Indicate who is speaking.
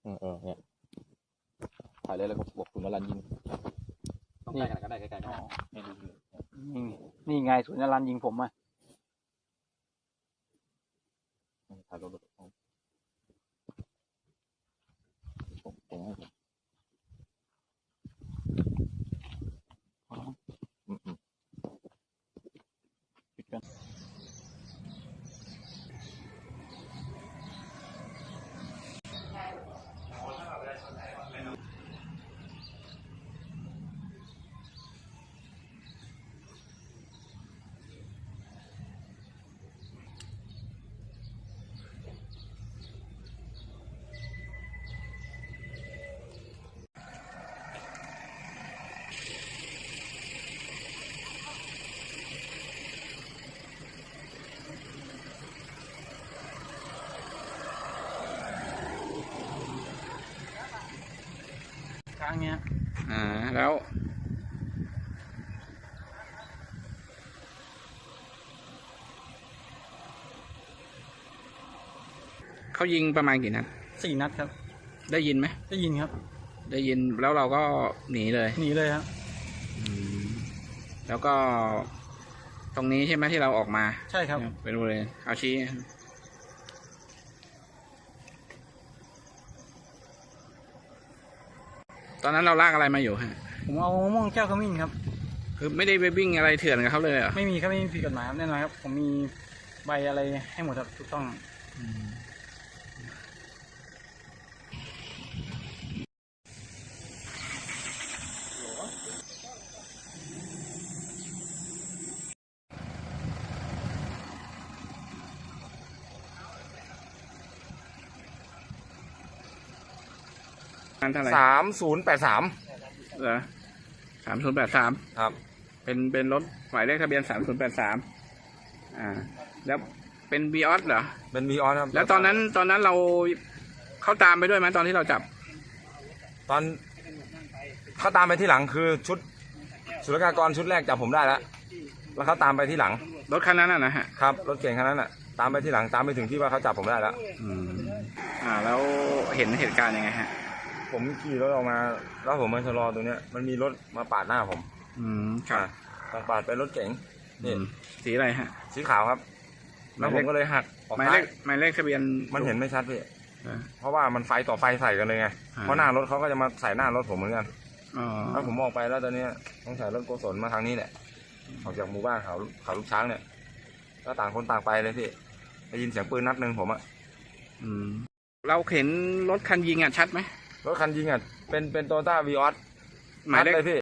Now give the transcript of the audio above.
Speaker 1: เนี่ยถ่ายเลยแล้วก็บอกคุณนรันยิงต้องใกล้กันก็ได้ใกล้ๆก็ได้ให้ดู
Speaker 2: นี่ไงศูนย์นรันยิงผมอ่ะ
Speaker 1: ถ่ายรถผมให้ปิดกัน
Speaker 2: ครั้งเนี้ย
Speaker 3: แล้วเขายิงประมาณกี่นัด
Speaker 2: 4 นัดครับ
Speaker 3: ได้ยินไหม
Speaker 2: ได้ยินครับ
Speaker 3: ได้ยินแล้วเราก็หนีเลย
Speaker 2: หนีเลยครับ
Speaker 3: แล้วก็ตรงนี้ใช่ไหมที่เราออกมา
Speaker 2: ใช่ครับ
Speaker 3: เป็นบริเวณเอาชี้ตอนนั้นเราลากอะไรมาอยู่ฮะ
Speaker 2: ผมเอามะม่วงแก้วขมิ้นครับ
Speaker 3: คือไม่ได้ไปวิ่งอะไรเถื่อนกับเขาเลยเหรอ
Speaker 2: ไม่มีครับไม่มีผิดกฎหมายครับแน่นอนครับผมมีใบอะไรให้หมดครับถูกต้อง
Speaker 3: เท่าไหร่
Speaker 1: 3083
Speaker 3: เหรอ3083
Speaker 1: ครับ
Speaker 3: เป็นรถหมายเลขทะเบียน3083แล้วเป็นวีออสเหรอ
Speaker 1: เป็นวีออสครับ
Speaker 3: แล้วตอนนั้นเราเขาตามไปด้วยไหมตอนที่เราจับ
Speaker 1: ตอนเขาตามไปที่หลังคือชุดศุลกากรชุดแรกจับผมได้แล้วเขาตามไปที่หลัง
Speaker 3: รถคันนั้นนะฮะ
Speaker 1: ครับรถเก่งคันนั้นตามไปที่หลังตามไปถึงที่ว่าเขาจับผมได้แล้ว
Speaker 3: แล้วเห็นเหตุการณ์ยังไงฮะ
Speaker 1: ผมขี่รถออกมาแล้วผมมาชะลอตรงเนี้ยมันมีรถมาปาดหน้าผม
Speaker 3: ครับ
Speaker 1: ปาดเป็นรถเก๋งนี่
Speaker 3: สีอะไรฮะ
Speaker 1: สีขาวครับแล้วผมก็เลยหักออก
Speaker 3: หมาย
Speaker 1: ซ้า
Speaker 3: เลย ขหมายเลขทะเบียน
Speaker 1: มันเห็นไม่ชัดพี่เพราะว่ามันไฟต่อไฟใส่กันเลยไงเพราะหน้ารถเขาก็จะมาใส่หน้ารถผมเหมือนกันแล้วผมออกไปแล้วตอนนี้ต้องใส่รถโกศลมาทางนี้แหละออกจากหมู่บ้านเขาลูกช้างเนี่ยก็ต่างคนต่างไปเลยพี่ได้ยินเสียงปืนนัดหนึ่งผม
Speaker 3: เราเห็นรถคันยิงชัดไหม
Speaker 1: รถคันยิงเป็นโตโยต้าวีออส
Speaker 3: หมายเลข
Speaker 1: เลยพี่